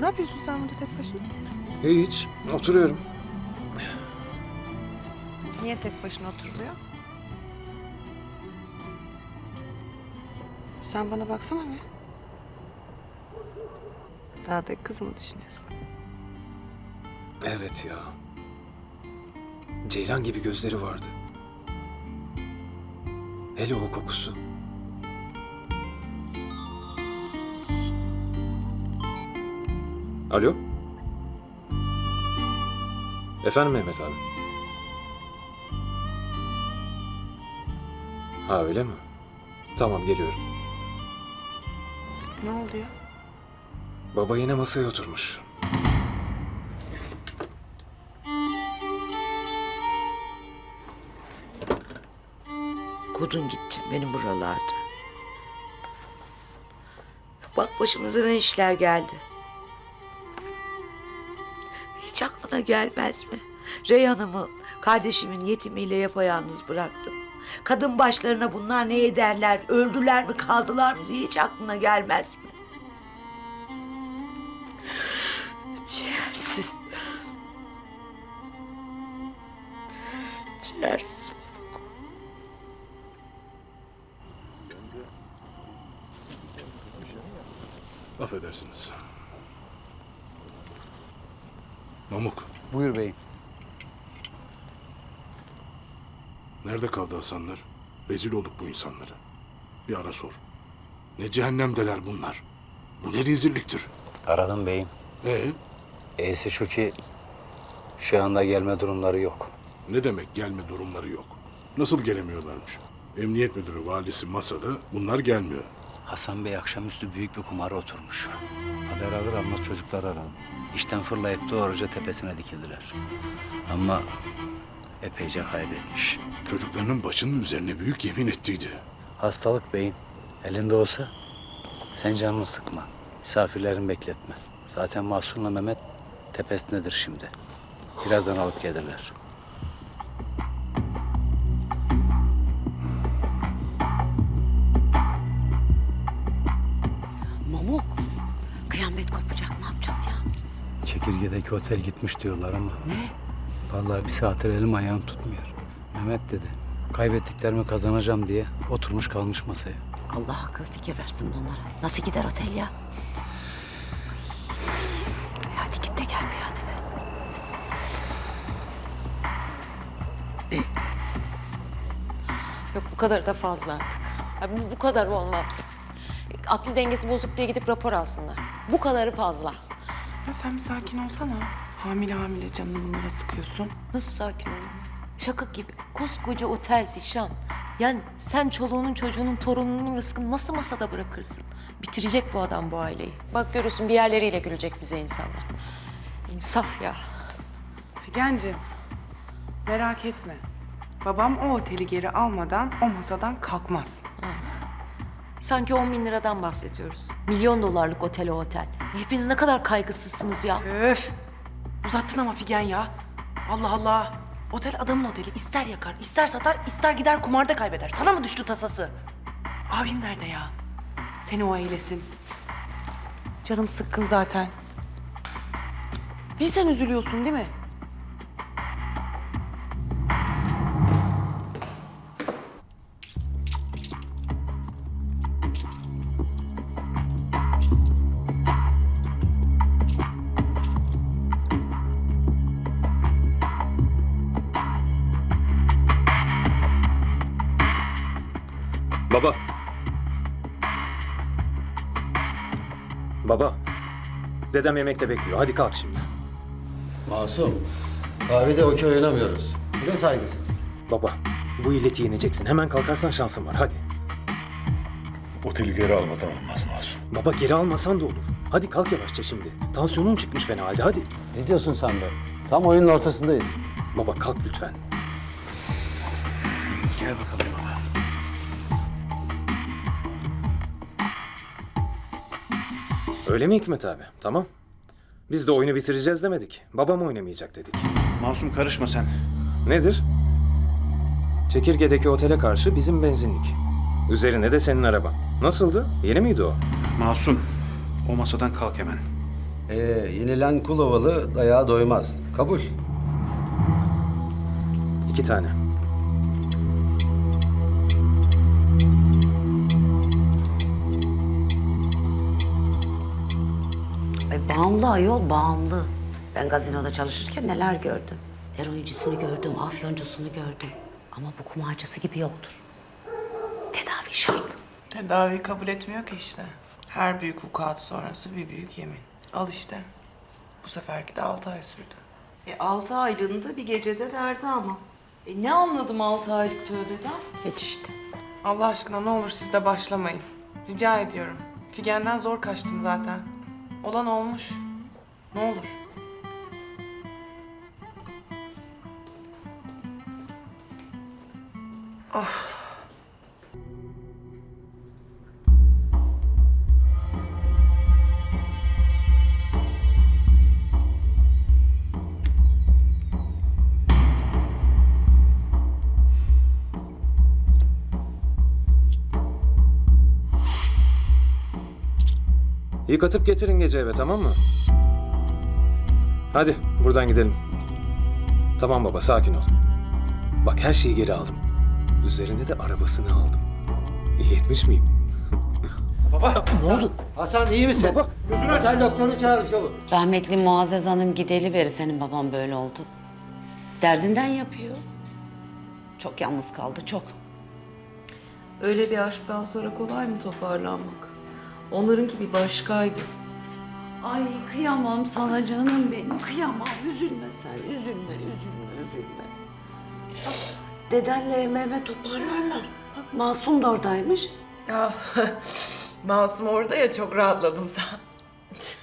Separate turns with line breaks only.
Ne yapıyorsun sen burada tek başına?
Hiç, oturuyorum.
Niye tek başına oturuluyor? Sen bana baksana bir. Daha da kız mı düşünüyorsun?
Evet ya. Ceylan gibi gözleri vardı. Hele o kokusu. Alo? Efendim Mehmet abi? Ha öyle mi? Tamam geliyorum.
Ne oldu ya?
Baba yine masaya oturmuş.
Kodun gitti benim buralarda. Bak başımıza ne işler geldi. Hiç aklına gelmez mi? Reyhan'ımı kardeşimin yetimiyle yapayalnız bıraktım. Kadın başlarına bunlar ne ederler, öldüler mi kaldılar mı diye hiç aklına gelmez mi? Ciğersiz. Ciğersiz Mamuk.
Affedersiniz. Mamuk,
Buyur beyim.
nerede kaldı Hasanlar? Rezil olduk bu insanlara. Bir ara sor. Ne cehennemdeler bunlar. Bu ne rezilliktir.
Aradım beyim.
Ee,
Şu ki şu anda gelme durumları yok.
ne demek gelme durumları yok? Nasıl gelemiyorlarmış? Emniyet müdürü, valisi masada, bunlar gelmiyor.
Hasan Bey akşamüstü büyük bir kumara oturmuş. Haber alır almaz çocuklar aradım. İşten fırlayıp doğruca tepesine dikildiler. Ama epeyce kaybetmiş.
Çocuklarının başının üzerine büyük yemin ettiydi.
Hastalık beyim. Elinde olsa sen canını sıkma. Misafirlerini bekletme. Zaten Mahsun'la Mehmet tepesindedir şimdi. Birazdan alıp gelirler.
Mamuk, kıyamet kopacak, ne yapacağız ya?
Çekirgedeki otel gitmiş diyorlar ama. Ne? Vallahi bir saattir elim ayağım tutmuyor. Mehmet dedi. Kaybettiklerimi kazanacağım diye oturmuş kalmış masaya.
Allah akıl fikir versin bunlara. Nasıl gider otel ya? Ay, hadi git de gel bir an eve.
Yok bu kadar da fazla artık. Bu kadar olmaz. Aklı dengesi bozuk diye gidip rapor alsınlar. Bu kadarı fazla.
Ya sen bir sakin olsana. Hamile hamile canını bunlara sıkıyorsun.
Nasıl sakin olayım? Şaka gibi. Koskoca otel Zişan. Yani sen çoluğunun çocuğunun torununun rızkını nasıl masada bırakırsın? Bitirecek bu adam bu aileyi. Bak görürsün bir yerleriyle gülecek bize insanlar. İnsaf ya.
Figenciğim, merak etme. Babam o oteli geri almadan o masadan kalkmaz.
Sanki 10 bin liradan bahsediyoruz. Milyon dolarlık otel o otel. Hepiniz ne kadar kaygısızsınız ya.
Öf! Uzattın ama Figen ya. Allah Allah. Otel adamın oteli. İster yakar, ister satar, ister gider kumarda kaybeder. Sana mı düştü tasası? Abim nerede ya? Seni o eylesin. Canım sıkkın zaten. Cık, bir sen üzülüyorsun değil mi?
Baba. Baba. Dedem yemekte bekliyor. Hadi kalk şimdi.
Masum, kahvede okey oynamıyoruz. Bu ne saygısı?
Baba, bu illeti yeneceksin. Hemen kalkarsan şansın var. Hadi.
Oteli geri almadan olmaz Masum.
Baba geri almasan da olur. Hadi kalk yavaşça şimdi. Tansiyonun çıkmış fena halde. Hadi.
Ne diyorsun sen be? Tam oyunun ortasındayız.
Baba kalk lütfen.
Gel bakalım baba.
Öyle mi Hikmet abi? Tamam. Biz de oyunu bitireceğiz demedik. Babam oynamayacak dedik.
Masum karışma sen.
Nedir? Çekirge'deki otele karşı bizim benzinlik. Üzerine de senin araban. Nasıldı? Yeni miydi o?
Masum, o masadan kalk hemen.
Yenilen kul ovalı dayağa doymaz. Kabul.
2 tane.
Bağımlı ayol, bağımlı. Ben gazinoda çalışırken neler gördüm. Eroincisini gördüm, afyoncusunu gördüm. Ama bu kumarcısı gibi yoktur. Tedavi şart.
Tedaviyi kabul etmiyor ki işte. Her büyük vukuat sonrası bir büyük yemin. Al işte. Bu seferki de 6 ay sürdü.
6 aylığını da bir gecede verdi ama. Ne anladım 6 aylık tövbeden?
Hiç işte.
Allah aşkına ne olur siz de başlamayın. Rica ediyorum. Figen'den zor kaçtım zaten. Olan olmuş. Ne olur.
Yıkatıp getirin gece eve, tamam mı? Hadi buradan gidelim. Tamam baba, sakin ol. Bak her şeyi geri aldım. Üzerine de arabasını aldım. İyi etmiş miyim?
Hasan iyi misin? Baba gözünü aç. Otel doktorunu çağır çabuk.
Rahmetli Muazzez Hanım gideli beri senin baban böyle oldu. Derdinden yapıyor. Çok yalnız kaldı, çok.
Öyle bir aşktan sonra kolay mı toparlanmak? Onlarınki bir başkaydı.
Ay kıyamam sana canım benim. Kıyamam. Üzülme sen. Üzülme, üzülme. Dedenle Mehmet toparlarlar. Bak Masum da oradaymış.
Ya Masum orada ya çok rahatladım sen.